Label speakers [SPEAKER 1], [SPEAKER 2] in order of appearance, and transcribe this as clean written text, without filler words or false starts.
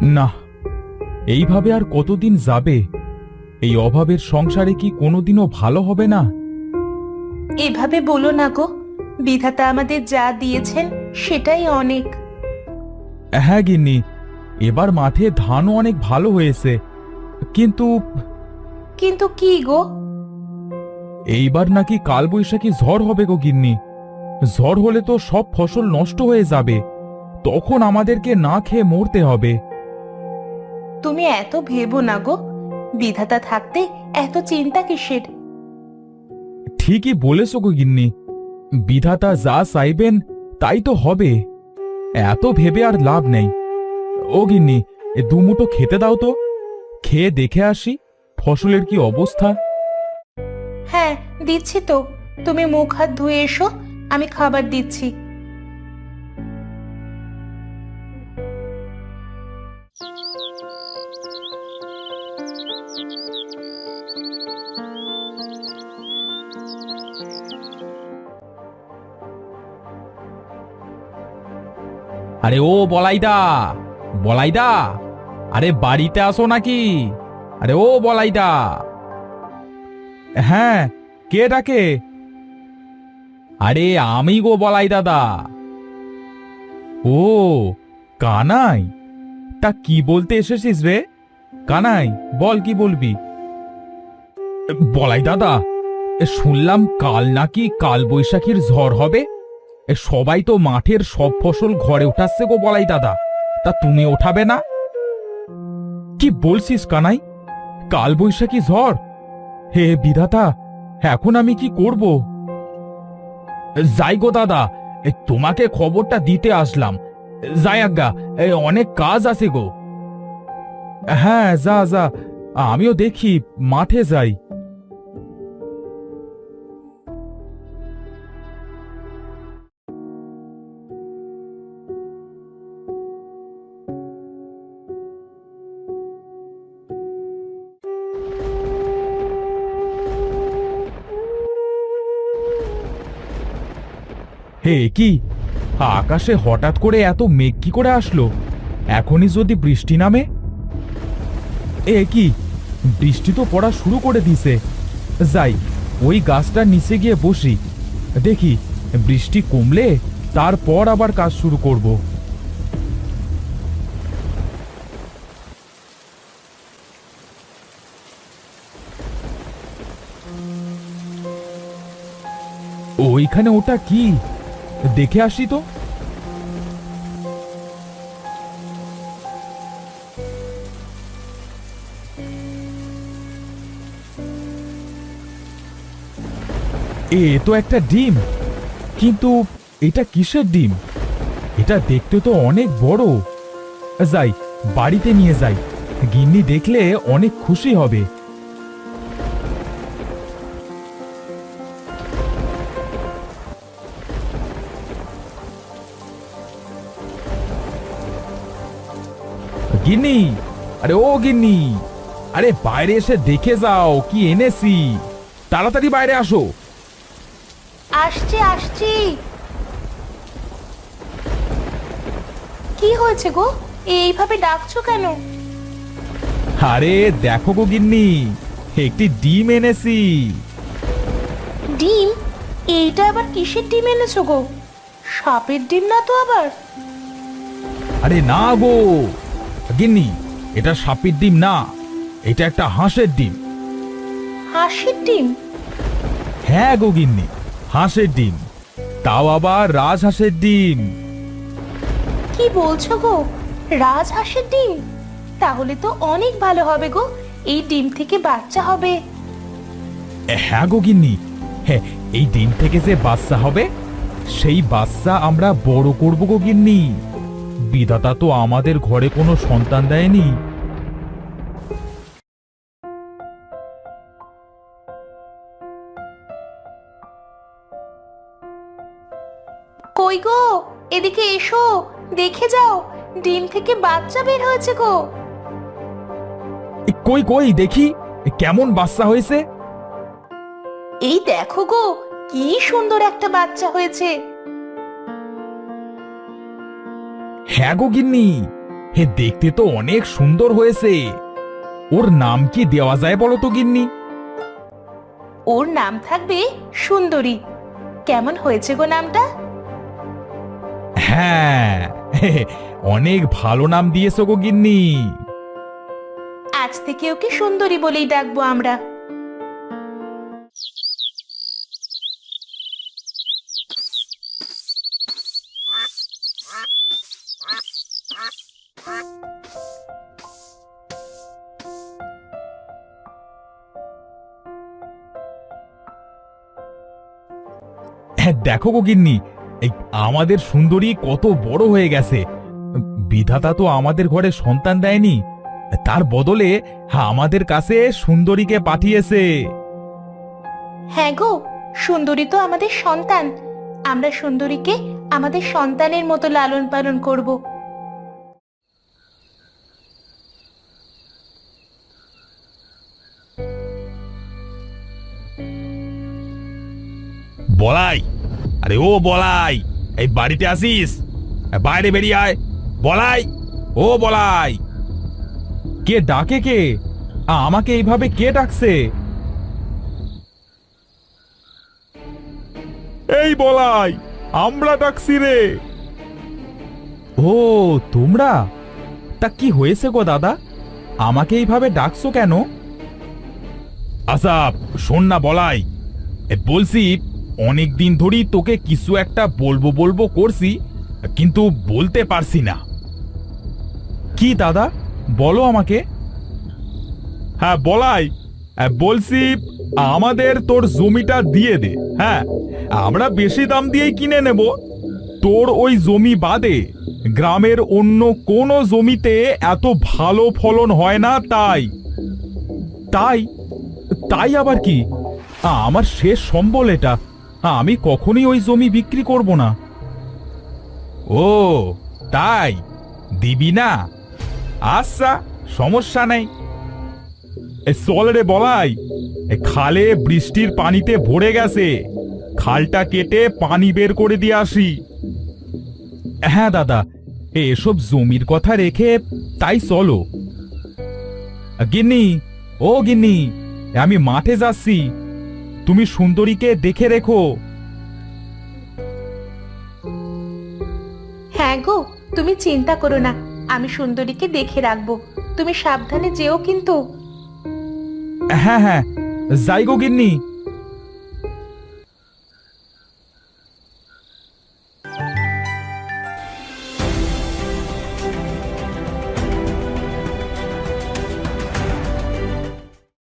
[SPEAKER 1] না, এইভাবে আর কতদিন যাবে? এই অভাবের সংসারে কি কোনোদিনও ভালো হবে না?
[SPEAKER 2] এভাবে বলো না গো, বিধাতা আমাদের যা দিয়েছেন সেটাই অনেক।
[SPEAKER 1] হ্যাঁ গিন্নি, এবার মাঠে ধানও অনেক ভালো হয়েছে, কিন্তু
[SPEAKER 2] কিন্তু কি গো?
[SPEAKER 1] এইবার নাকি কালবৈশাখী ঝড় হবে গো গিন্নি। ঝড় হলে তো সব ফসল নষ্ট হয়ে যাবে, তখন আমাদেরকে না খেয়ে মরতে হবে।
[SPEAKER 2] তুমি এত ভেবো না গো, বিধাতা থাকতে এত চিন্তা কিসের?
[SPEAKER 1] ঠিকই বলেছো গো গিন্নি, বিধাতা যা চাইবেন তাই তো হবে। এত ভেবে আর লাভ নেই। ও গিন্নি, দুমুঠো খেতে দাও তো, খেয়ে দেখে আসি ফসলের কি অবস্থা।
[SPEAKER 2] হ্যাঁ, দিচ্ছি তো। তুমি মুখ হাত ধুয়ে এসো, আমি খাবার দিচ্ছি।
[SPEAKER 1] আরে ও বলাইদা, বলাইদা, আরে বাড়িতে আসো নাকি? আরে ও বলাইদা। হ্যাঁ, কে ডাকে? আরে আমি গো বলাই দাদা। ও কানাই, তা কি বলতে এসেছিস রে? কানাই, বল কি বলবি? বলাই দাদা, শুনলাম কাল নাকি কাল বৈশাখীর ঝড় হবে। সবাই তো মাঠের সব ফসল ঘরে উঠাচ্ছে গো বলাই দাদা, তা তুমি ওঠাবে না? কি বলছিস কানাই, কাল বৈশাখী ঝড়? হে বিধাতা, এখন আমি কি করব? যাই গো দাদা, তোমাকে খবরটা দিতে আসলাম। যাই আজ্ঞা, অনেক কাজ আছে গো। হ্যাঁ, যা যা, আমিও দেখি মাঠে যাই। হে কি, আকাশে হঠাৎ করে এত মেঘ কি করে আসলো? এখনই যদি বৃষ্টি নামে। এ কি, বৃষ্টি তো পড়া শুরু করে দিছে। যাই, ওই গাছটার নিচে গিয়ে বসি, দেখি বৃষ্টি কমলে তারপর আবার কাজ শুরু করব। ওইখানে ওটা কি, দেখে আসি তো। এ তো একটা ডিম, কিন্তু এটা কিসের ডিম? এটা দেখতে তো অনেক বড়। যাই, বাড়িতে নিয়ে যাই, গিন্নি দেখলে অনেক খুশি হবে। গিন্নি, আরে ও গিন্নি, আরে বাইরে এসে দেখে যাও কি এনেছি, তাড়াতাড়ি বাইরে আসো।
[SPEAKER 2] আসছি আসছি। কি হয়েছে গো, এইভাবে ডাকছো কেন?
[SPEAKER 1] আরে দেখো গো গিন্নি, একটি ডিম এনেছি।
[SPEAKER 2] ডিম? এইটা আবার কিসের ডিম এনেছো গো? সাপের ডিম না তো আবার?
[SPEAKER 1] আরে না গো গিন্নি, এটা সাপের ডিম না, এটা একটা হাঁসের ডিম।
[SPEAKER 2] হাঁসের ডিম?
[SPEAKER 1] হ্যাঁ গো গিন্নি, হাঁসের ডিম, তাও আবার রাজহাঁসের ডিম।
[SPEAKER 2] কি বলছো গো, রাজহাঁসের ডিম? তাহলে তো অনেক ভালো হবে গো, এই ডিম থেকে বাচ্চা হবে।
[SPEAKER 1] হ্যাঁ গো গিন্নি, হ্যাঁ, এই ডিম থেকে যে বাচ্চা হবে সেই বাচ্চা আমরা বড় করব গো গিন্নি। বিধাতা তো আমাদের ঘরে কোনো সন্তান দেয়নি।
[SPEAKER 2] কই গো, এদিকে এসো, দেখে যাও, ডিম থেকে বাচ্চা বের হয়েছে গো।
[SPEAKER 1] কই কই দেখি, কেমন বাচ্চা হয়েছে?
[SPEAKER 2] এই দেখো গো, কি সুন্দর একটা বাচ্চা হয়েছে।
[SPEAKER 1] হ্যাঁ গো গিন্নি, হে, দেখতে তো অনেক সুন্দর হয়েছে। ওর নাম কি দেওয়া যায় বলো তো গিন্নি?
[SPEAKER 2] ওর নাম থাকবে সুন্দরী। কেমন হয়েছে গো নামটা?
[SPEAKER 1] হ্যাঁ, অনেক ভালো নাম দিয়েছো গো গিন্নি।
[SPEAKER 2] আজ থেকে ওকে সুন্দরী বলেই ডাকবো আমরা।
[SPEAKER 1] হ্যাঁ, দেখো গো গিন্নি, এই আমাদের সুন্দরী কত বড় হয়ে গেছে। বিধাতা তো আমাদের ঘরে সন্তান দেয়নি, তার বদলে আমাদের কাছে সুন্দরীকে পাঠিয়েছে।
[SPEAKER 2] হ্যাঁ গো, সুন্দরী তো আমাদের সন্তান। আমরা সুন্দরীকে আমাদের সন্তানের মতো লালন পালন করব।
[SPEAKER 1] বলাই, আরে ও বলাই, এই বাড়িতে আসিস? বাইরে বেরিয়ে আয়। বলাই, ও বলাই। কে ডাকে? কে আমাকে এইভাবে কে ডাকছে? এই বলাই, আমরা ডাকছি রে। ও তোমরা? তা কি হয়েছে গো দাদা, আমাকে এইভাবে ডাকছো কেন? আচ্ছা শোন না বলাই, বলছি অনেক দিন ধরেই তোকে কিছু একটা বলবো বলবো করছি, কিন্তু বলতে পারছি না। কি দাদা, বলো আমাকে। হ্যাঁ বলাই, বলছি আমাদের তোর জমিটা দিয়ে দে। হ্যাঁ, আমরা বেশি দাম দিয়েই কিনে নেব। তোর ওই জমি বাদে গ্রামের অন্য কোনো জমিতে এত ভালো ফলন হয় না। তাই তাই তাই আবার কি? আমার শেষ সম্বল এটা, আমি কখনোই ওই জমি বিক্রি করব না। ও তাই, দিবি না? আচ্ছা, সমস্যা নেই। চল রে বলাই, খালে বৃষ্টির পানিতে ভরে গেছে, খালটা কেটে পানি বের করে দিয়ে আসি। হ্যাঁ দাদা, এসব জমির কথা রেখে তাই চলো। গিন্নি, ও গিন্নি, আমি মাঠে যাচ্ছি, তুমি সুন্দরীকে দেখে রেখো।
[SPEAKER 2] হ্যাঁ গো, তুমি চিন্তা করো না, আমি সুন্দরীকে দেখে রাখবো। তুমি সাবধানে যেও কিন্তু।
[SPEAKER 1] হ্যাঁ হ্যাঁ, যাই গো গিন্নি।